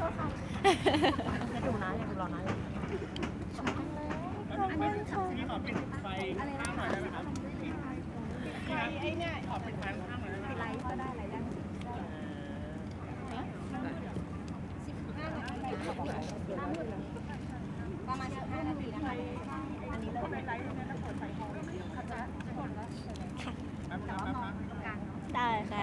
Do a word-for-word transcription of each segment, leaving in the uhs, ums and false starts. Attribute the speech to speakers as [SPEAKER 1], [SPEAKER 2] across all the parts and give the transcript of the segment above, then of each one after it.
[SPEAKER 1] จะดูนะยังรอนะ
[SPEAKER 2] อันนี้พี่ขอปิดไฟข้างหน่อยได้ไหมครับไฟไอ้เนี่ยขอปิดไฟข้างหน่อยได้ไหมไลฟ์ก็ได้ไลฟ์ได้
[SPEAKER 1] ประมาณสิบห้านาทีนะคะอันนี้เริ่มไลฟ์แล้วเปิดไฟพอเขาจะกดแล้วแต่ว่ามองกลาง
[SPEAKER 3] ได้ค่ะ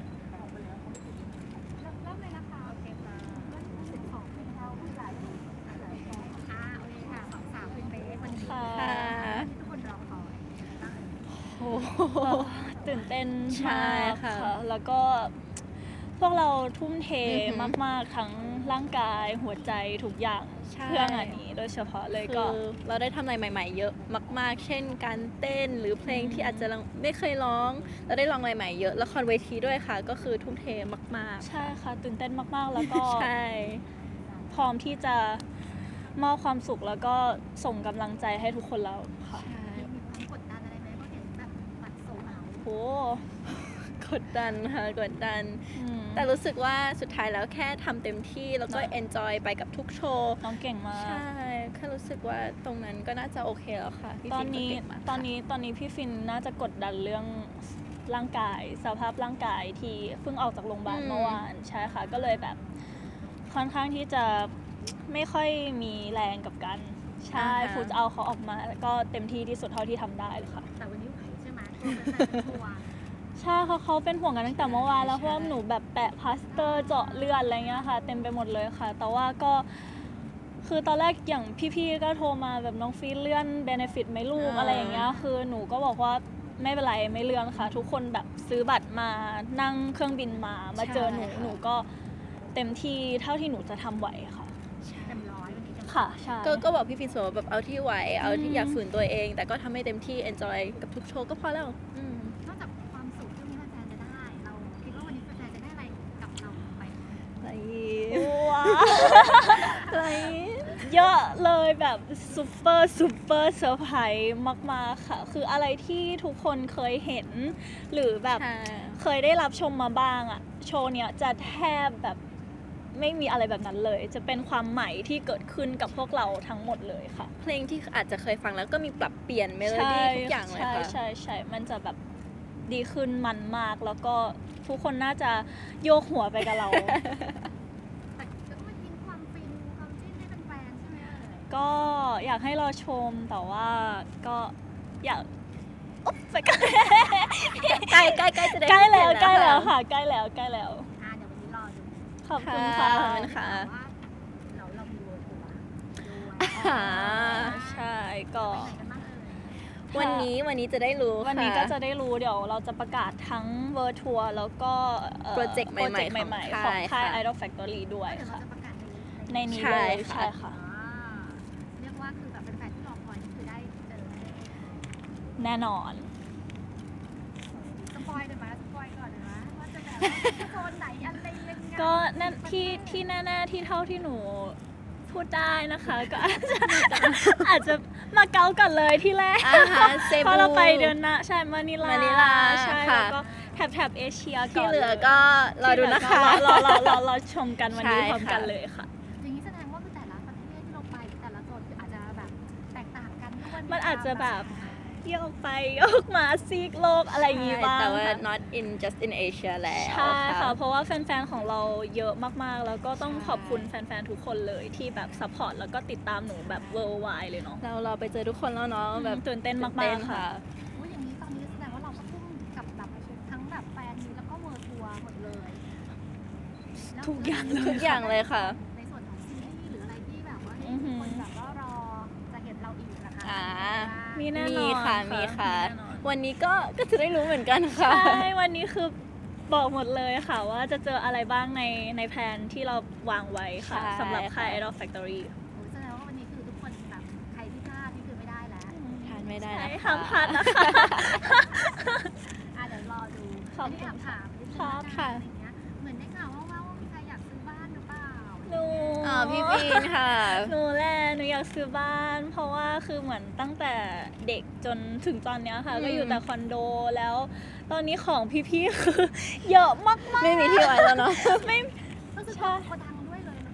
[SPEAKER 1] เริ่มเลยนะคะโอเคค่ะสิบสองเป็นเราผู้หลายอ่าโอเคค่ะสองสาวเป็นเบสวันนี้ที่ทุกคนรอคอย
[SPEAKER 3] โอ้โหตื่นเต้น
[SPEAKER 4] ใช่
[SPEAKER 3] มาก
[SPEAKER 4] ค่ะ
[SPEAKER 3] ค่ะแล้วก็พวกเราทุ่มเทมากๆทั้งร่างกายหัวใจทุกอย่างเพื่องานนี้โดยเฉพาะเลย
[SPEAKER 4] คื
[SPEAKER 3] ก็
[SPEAKER 4] อเราได้ทำอะไรใหม่ๆเยอะมากๆ เช่นการเต้นหรือเพลงที่อาจจะไม่เคยร้องเราได้ลองอะไรใหม่เยอะละครเวทีด้วยค่ะ ก็คือทุ่มเทมากๆ
[SPEAKER 3] ใช่ค่ะตื่นเต้นมากๆแล้วก็
[SPEAKER 4] ใช่
[SPEAKER 3] พร้อมที่จะมอบความสุขแล้วก็ส่งกำลังใจให้ทุกคนแล้วค่ะ
[SPEAKER 1] มีความกดดันอะไรไหมเพราะเห็นแบบบัตรโซลเอาท์
[SPEAKER 3] โห
[SPEAKER 4] กดดันค่ะกดดัน
[SPEAKER 3] อืม
[SPEAKER 4] แต่รู้สึกว่าสุดท้ายแล้วแค่ทำเต็มที่แล้วก็
[SPEAKER 3] เนอะ
[SPEAKER 4] enjoy ไปกับทุกโชว์
[SPEAKER 3] น้องเก่งมาก
[SPEAKER 4] ใช่แค่รู้สึกว่าตรงนั้นก็น่าจะโอเคแล้วค่ะพี่
[SPEAKER 3] ตอ
[SPEAKER 4] ฟิ
[SPEAKER 3] น
[SPEAKER 4] นก็
[SPEAKER 3] นี้
[SPEAKER 4] เก่งมาก
[SPEAKER 3] ตอนนี้ตอนนี้พี่ฟินน่าจะกดดันเรื่องร่างกายสภาพร่างกายที่เพิ่งออกจากโรงพยาบาลเมื่อวานใช่ค่ะก็เลยแบบค่อนข้างที่จะไม่ค่อยมีแรงกับกันใช่ฟูจะเอาเขาออกมาแล้วก็เต็มที่ที่สุดเท่าที่ทำได้เลยค่ะ
[SPEAKER 1] แต่วันนี้ไหวใช่ไหมตัวเป็นแฟนทัวร์
[SPEAKER 3] ใช่เขาเขาเป็นห่วงกันตั้งแต่เมื่อวานแล้วเพราะว่าหนูแบบแปะพลาสเตอร์เจาะเลือดอะไรเงี้ยค่ะเต็มไปหมดเลยค่ะ แต่ว่าก็คือตอนแรกอย่างพี่ๆก็โทรมาแบบน้องฟีเลื่อนเบเนฟิตไหมลูกอะไรอย่างเงี้ยคือหนูก็บอกว่าไม่เป็นไรไม่เลื่อนค่ะ ทุกคนแบบซื้อบัตรมานั่งเครื่องบินมามาเจอหนูหนูก็เต็มที่เท่าที่หนูจะทำไหวค่ะ
[SPEAKER 1] เต็มร้อยวันนี้เต็มร้อย
[SPEAKER 3] ค่ะใช่
[SPEAKER 4] ก็ก็บอกพี่ฟินเสมอแบบเอาที่ไหวเอาที่
[SPEAKER 3] อืม
[SPEAKER 4] อยากฝืนตัวเอง แต่ก็ทำให้เต็มที่ enjoy กับทุกโชว์ก็พอแล้วอืม
[SPEAKER 1] นอกจากความสุขที่วันนี้แฟนๆจะได้ เราคิดว่าวันนี้แฟนๆจะได้อะไรกับเราไป
[SPEAKER 4] อะไร
[SPEAKER 3] ว้า
[SPEAKER 4] อะไร
[SPEAKER 3] เยอะเลยแบบซูเปอร์ซูเปอร์เซอร์ไพรส์มากๆค่ะ คืออะไรที่ทุกคนเคยเห็น หรือแบบ
[SPEAKER 4] ใช่
[SPEAKER 3] เคยได้รับชมมาบ้างอะโชว์เนี้ยจะแทบแบบไม่มีอะไรแบบนั้นเลย จะเป็นความใหม่ที่เกิดขึ้นกับพวกเราทั้งหมดเลยค่ะ
[SPEAKER 4] เพลงที่อาจจะเคยฟังแล้วก็มีปรับเปลี่ยนเมโลดี้ทุกอย่างเลย
[SPEAKER 3] ใช่
[SPEAKER 4] ค่ะ
[SPEAKER 3] ใช่ใช่มันจะแบบดีขึ้นมันมาก แล้วก็ทุกคนน่าจะโยกหัวไปกับเรา
[SPEAKER 1] แต่ก็ไม่ทิ้งความฟินความจิ้นให้เป็นแฟนใช่ไหมเอ่ย
[SPEAKER 3] ก็อยากให้รอชมแต่ว่าก็อยากอุ๊บไปใกล้
[SPEAKER 4] ใกล้ใกล้ใกล้จะได้
[SPEAKER 3] ใกล้แล้ว
[SPEAKER 4] เห็น
[SPEAKER 3] ใกล้แล้วค่ะใกล้แล้วใกล้แล้ว
[SPEAKER 1] อ่าเดี๋ยววันนี้รอดู
[SPEAKER 3] ขอบคุณ
[SPEAKER 4] ค่ะ
[SPEAKER 3] ค่ะ
[SPEAKER 4] ขอบคุณค่ะ
[SPEAKER 1] แต่ว่าเราเรามีเวิร์ทัวร์ด้วย
[SPEAKER 4] อ่า
[SPEAKER 3] ใช่ก็
[SPEAKER 1] ไปไหนกันบ้างเอ่ย
[SPEAKER 4] วันนี้วันนี้จะได้รู้
[SPEAKER 3] วันนี้
[SPEAKER 4] ค่
[SPEAKER 3] ก็จะได้รู้เดี๋ยวเราจะประกาศทั้งเวอร์ทัวร์แล้วก็อ่อ
[SPEAKER 4] โปรเจกต์ใหม่ๆ
[SPEAKER 3] โปรเจกต์ใหม่ๆ
[SPEAKER 4] ข
[SPEAKER 3] ข
[SPEAKER 4] อ
[SPEAKER 3] อง ง
[SPEAKER 4] ค่า
[SPEAKER 3] ค่าย ย Idol Factory ด้วย
[SPEAKER 1] เดี๋ยวเรา
[SPEAKER 3] ค่ะ
[SPEAKER 1] จะประกาศ
[SPEAKER 3] ในนี้
[SPEAKER 4] ใช่
[SPEAKER 3] เลย
[SPEAKER 4] ค่ะ
[SPEAKER 3] ใช่ค่ะ
[SPEAKER 1] อ่าเรียกว่าคือแบบเป็นแฟนที่รอคอยนี่คือได้เจอ
[SPEAKER 3] แน่นอน
[SPEAKER 1] สปอยได้ไหมสปอยก่อนเลยนะว่าจะแบบว่าโซนไหนอะไรยังไง
[SPEAKER 3] ก็นั่นที่ที่แน่ๆที่เท่าที่หนูพูดได้นะคะ ก็อาจจะอาจจะมาเก๊ากันเลยที่แรก
[SPEAKER 4] อ่าฮะเซ
[SPEAKER 3] เพ
[SPEAKER 4] บู
[SPEAKER 3] ราะเราไปเดือนหน้าใช่มานิลาม
[SPEAKER 4] ะนิลา
[SPEAKER 3] ใช่
[SPEAKER 4] ค่ะ
[SPEAKER 3] แล้วก็แถบแถบเอเชีย
[SPEAKER 4] ที่
[SPEAKER 3] ก่อน
[SPEAKER 4] เหลือก็รอดูนะคะ
[SPEAKER 3] รอรอรอรอชมกันวันนี้
[SPEAKER 4] ใช่
[SPEAKER 3] พร้อมกัน
[SPEAKER 4] ค่ะ
[SPEAKER 3] เลยค่ะ
[SPEAKER 1] อย่างนี้แสดงว่าคือแต่ละประเทศที่เราไปแต่ละโซนคืออาจจะแบบแตกต่างกันด้วย
[SPEAKER 3] มันอาจจะแบบโยกไปโยกมาซีกโลกอะไรอย่างงี้บ้าง
[SPEAKER 4] แต่ว่า
[SPEAKER 3] ค่ะ
[SPEAKER 4] not in just in Asia แล้ว
[SPEAKER 3] ใช่ค่ะ เพราะว่าแฟนๆ ของเราเยอะมากๆ แล้วก็ต้องขอบคุณแฟนๆ ทุกคนเลยที่แบบซัพพอร์ตแล้วก็ติดตามหนูแบบ worldwide เลยเนาะ
[SPEAKER 4] เราเราไปเจอทุกคนแล้วเนาะแบบ
[SPEAKER 3] ตื่นเต้นมากๆ
[SPEAKER 4] ตื่นเต้น
[SPEAKER 3] ค่ะ
[SPEAKER 1] อุ๊ยอย่างนี้ตอนนี้แสดงว่าเราก็ทุ่มกับแบบทั้งแบบแฟนนี้แล้วก็เวิร์ทัวร์หมดเลยแล้ว
[SPEAKER 3] ทุกอย่างเลย
[SPEAKER 4] ทุกอย่างเลยค่ะ
[SPEAKER 1] ในส่วนของซีรีส์หรืออะไรที่แบบว่าให้
[SPEAKER 3] อือหื
[SPEAKER 1] ทุก
[SPEAKER 3] อ
[SPEAKER 1] คนแบบว่ารอจะเห็นเราอีกนะคะ
[SPEAKER 4] อ่า
[SPEAKER 3] มีแน่นอน
[SPEAKER 4] มีค่ะมีค่ะ
[SPEAKER 3] แน่นอน
[SPEAKER 4] วันนี้ก็ก็จะได้รู้เหมือนกันค่ะ
[SPEAKER 3] ใช่ วันนี้คือบอกหมดเลยค่ะ ว่าจะเจออะไรบ้างในในแผนที่เราวางไว้ค่ะ
[SPEAKER 4] ใช่
[SPEAKER 3] สำหรับค่าย
[SPEAKER 4] ค่ะ
[SPEAKER 3] Idol Factory
[SPEAKER 1] โอ้ยแสดงว่าวันนี้คือทุกคนแบบใครที่พลาดนี่คือไม่ได้แล้ว
[SPEAKER 4] ทานไม่ได้
[SPEAKER 3] ใช่
[SPEAKER 4] นะคะ
[SPEAKER 3] ห้ามพลาดนะคะ
[SPEAKER 1] อ่ะเดี๋ยวรอดู
[SPEAKER 3] ขอบ
[SPEAKER 1] อันนี้
[SPEAKER 3] คุณ
[SPEAKER 1] แอบถามนิดนึง
[SPEAKER 3] ครับ
[SPEAKER 1] ละกัน
[SPEAKER 4] ค่ะ
[SPEAKER 1] อะไรเงี้ยเหมือนได้ข่าวว่าว่ามีใครอยากซื้อบ้านหรือเปล่า
[SPEAKER 3] หนู
[SPEAKER 4] อ๋อพี่ฟินค่ะ
[SPEAKER 3] หนูแหละหนูอยากซื้อบ้าน เพราะว่าคือเหมือนตั้งแต่เด็กจนถึงตอนเนี้ยค่ะ
[SPEAKER 4] อืม
[SPEAKER 3] ก็อยู่แต่คอนโดแล้ว ตอนนี้ของพี่ ๆ คือ เยอะมากๆ
[SPEAKER 4] ไม่มีที่ไว้แล้วเนาะ
[SPEAKER 3] ไม่
[SPEAKER 1] ก็คือ
[SPEAKER 3] ใช่
[SPEAKER 1] โกดังด้วยเลยหรือเปล่าถ้า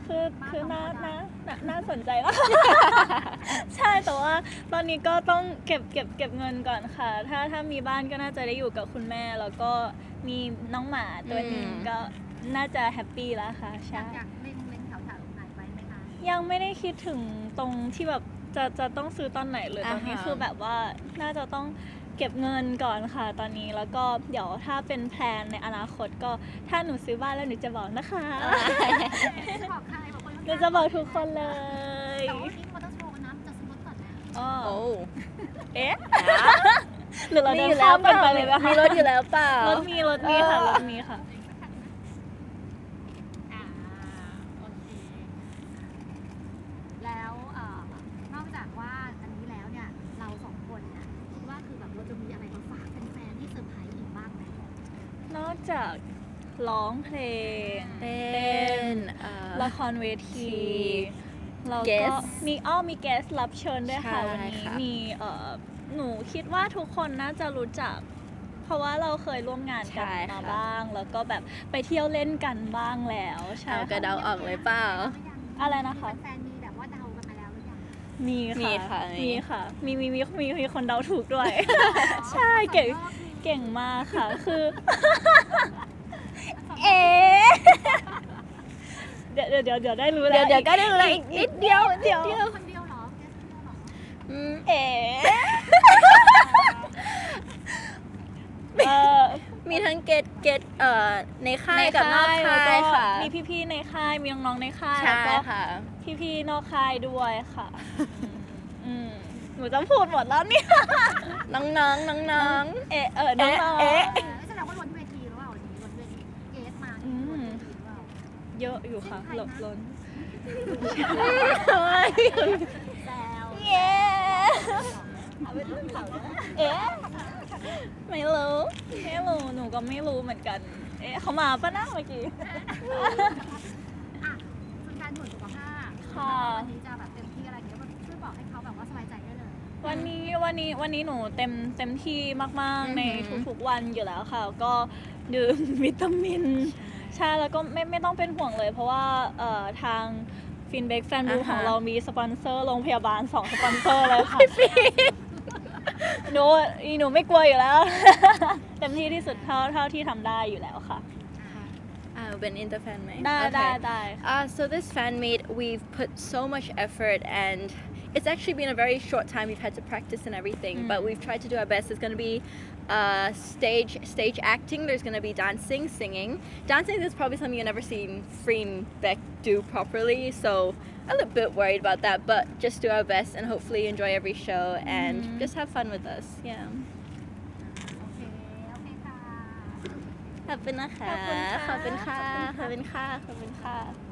[SPEAKER 3] คือคือน่าน่าน่าน่าสนใจมาก ใช่แต่ว่าตอนนี้ก็ต้องเก็บเก็บเก็บเงินก่อนค่ะ ถ้าถ้ามีบ้านก็น่าจะได้อยู่กับคุณแม่ แล้วก็มีน้องหมาตัวหนึง
[SPEAKER 4] อืม
[SPEAKER 3] ก็น่าจะแฮปปี้แล้วค่ะ
[SPEAKER 1] อยา
[SPEAKER 3] ใช่
[SPEAKER 1] กอยากเล่นเล่นแถวแถวไหนไว้ไหมคะ
[SPEAKER 3] ยังไม่ได้คิดถึงตรงที่แบบจะจะต้องซื้อตอนไหนเลย
[SPEAKER 4] อ่า
[SPEAKER 3] ตอนนี้
[SPEAKER 4] ฮะ
[SPEAKER 3] คือแบบว่าน่าจะต้องเก็บเงินก่อนค่ะ ตอนนี้แล้วก็เดี๋ยวถ้าเป็นแพลนในอนาคตก็ถ้าหนูซื้อบ้านแล้วหนูจะบอกนะคะ
[SPEAKER 1] จะบอกใครบอกคน
[SPEAKER 3] หนูจะบอกทุกคนเลย
[SPEAKER 1] แต่ว่าวันนี้มอเตอร์โชว์นะจะสมมติก่อนนะ
[SPEAKER 3] อ้อ
[SPEAKER 4] โอ้
[SPEAKER 3] เอ๊ะ หรือเรา
[SPEAKER 4] มี
[SPEAKER 3] เดิ
[SPEAKER 4] อน ยู่แล้
[SPEAKER 3] ข้าว ม
[SPEAKER 4] เป
[SPEAKER 3] กัน
[SPEAKER 4] ล่า
[SPEAKER 3] ไปเลยนะคะ
[SPEAKER 4] มีรถอยู่แล้วเปล่าร
[SPEAKER 3] ถมีรถมีค่ะ
[SPEAKER 4] เออ
[SPEAKER 3] รถมีค่ะ
[SPEAKER 1] อ่าโอเคแล้วเอ่อนอกจากว่าอันนี้แล้วเนี่ยเราสองคนเนี่ยคิดว่าคือแบบเราจะมีอะไรมาฝากแฟนๆที่เซอร์ไพรส์อีกบ้างไหม
[SPEAKER 3] นอกจากร้องเพลง
[SPEAKER 4] เต้นเอ่อ
[SPEAKER 3] ละครเวที เราก็
[SPEAKER 4] Guest
[SPEAKER 3] มีอ้อมีแกสรับเชิญด้วยค่ะ
[SPEAKER 4] ใช่
[SPEAKER 3] วันนี้
[SPEAKER 4] ค่ะ
[SPEAKER 3] มีเอ่อหนูคิดว่าทุกคนน่าจะรู้จัก เพราะว่าเราเคยร่วมงานกัน
[SPEAKER 4] ใช่
[SPEAKER 3] มา
[SPEAKER 4] ค่ะ
[SPEAKER 3] บ้าง แล้วก็แบบไปเที่ยวเล่นกันบ้างแล้วใช่
[SPEAKER 4] เอากระ
[SPEAKER 3] ค่ะ
[SPEAKER 4] เดาออกเลยเปล่า
[SPEAKER 3] อะไรนะคะ
[SPEAKER 1] แฟนๆมีแบบว่าเดากันมาแล้วหรือยัง
[SPEAKER 3] มี
[SPEAKER 4] มี
[SPEAKER 3] ค่ะ
[SPEAKER 4] ค่ะ
[SPEAKER 3] มีค่ะ มีมีมีมีมีคนเดาถูกด้วย ใช่เก่งเก่งมากค่ะ คือ เอ๊ะเดี๋ยวเดี๋ยวเดี๋ยวเดี๋ยวได้รู้แล้
[SPEAKER 4] เดี๋ยว วเดี๋ยวก็ได้รู้แล้ว
[SPEAKER 3] อี
[SPEAKER 4] อีกนิดเดียว
[SPEAKER 3] เดี๋ยว
[SPEAKER 4] นิดเดียว
[SPEAKER 1] คนเดียวเหรอแกคนเดียวเหรอ
[SPEAKER 4] อืม
[SPEAKER 3] เอ๋เออ
[SPEAKER 4] มีทั้งเกตเกตเอ่อในค่าย
[SPEAKER 3] ใน
[SPEAKER 4] กับนอก
[SPEAKER 3] แล้ว
[SPEAKER 4] ค่าย
[SPEAKER 3] ก็
[SPEAKER 4] ค่ะ
[SPEAKER 3] มีพี่ๆในค่าย มีน้องๆในค่าย
[SPEAKER 4] ใช่
[SPEAKER 3] แล้วก็
[SPEAKER 4] ค่ะ
[SPEAKER 3] พี่ๆนอกค่ายด้วยค่ะ อืมหนูจะพูดหมดแล้วเนี่ย
[SPEAKER 4] น้องน้องน้องน้องๆ
[SPEAKER 3] เอะเออน้องๆ
[SPEAKER 4] เอ๊ะ
[SPEAKER 1] เออแสดงว่าล้นเวทีหรือเปล่าวันนี้ล้นเวทีเกสมานี่ล้นเวทีหรือเปล่า
[SPEAKER 3] เยอะอยู่ค่ะหลบล้น
[SPEAKER 1] แซว
[SPEAKER 3] เย้เอ๊ะไม่รู้ไม่รู้หนูก็ไม่รู้เหมือนกัน เอ๊ะเขามาปะนะเมื่อกี้
[SPEAKER 1] อ่ะคุณการหน่วยสุขภาพ
[SPEAKER 3] ค่ะ
[SPEAKER 1] วันนี้จะแบบเต็มที่อะไรเงี้ยช่วยบอกให้เขาแบบว่าสบายใจได้เลย
[SPEAKER 3] วันนี้วันนี้วันนี้หนูเต็มเต็มที่มาก
[SPEAKER 4] อือหือ
[SPEAKER 3] ๆในทุกๆวันอยู่แล้วค่ะ ก็ดื่ม วิตามิน ใช่แล้วก็ไม่ไม่ต้องเป็นห่วงเลย เพราะว่าเอ่อทางฟินเบกแฟนบู
[SPEAKER 4] อ่าฮะ
[SPEAKER 3] ของเรามีสปอนเซอร์โรงพยาบาลสองสปอนเซอร์เลยค่ะ หนูอีหนูไม่กลัวอยู่แล้ว เต็มที่ที่สุดเท่าเท่าที่ทำได้อยู่แล้วค่ะ
[SPEAKER 4] อ่าเป็นอินเตอร์แฟนไหม
[SPEAKER 3] ได้
[SPEAKER 4] โอเค
[SPEAKER 3] ได้ได้
[SPEAKER 4] Uh, so this fan meet, we've put so much effort and it's actually been a very short time. We've had to practice and everything,
[SPEAKER 3] Mm.
[SPEAKER 4] but we've tried to do our best. There's going to be uh, stage stage acting. There's going to be dancing, singing. Dancing is probably something you've never seen Freem Beck do properly, so a little bit worried about that. But just do our best and hopefully enjoy every show and
[SPEAKER 3] Mhm.
[SPEAKER 4] just have fun with us. Yeah.
[SPEAKER 1] โอเค โอเคค่ะ
[SPEAKER 4] ขอบคุณนะคะ
[SPEAKER 3] ขอบคุณค่ะ
[SPEAKER 4] ขอบคุณค่ะขอบคุณค่ะขอบคุณค่ะ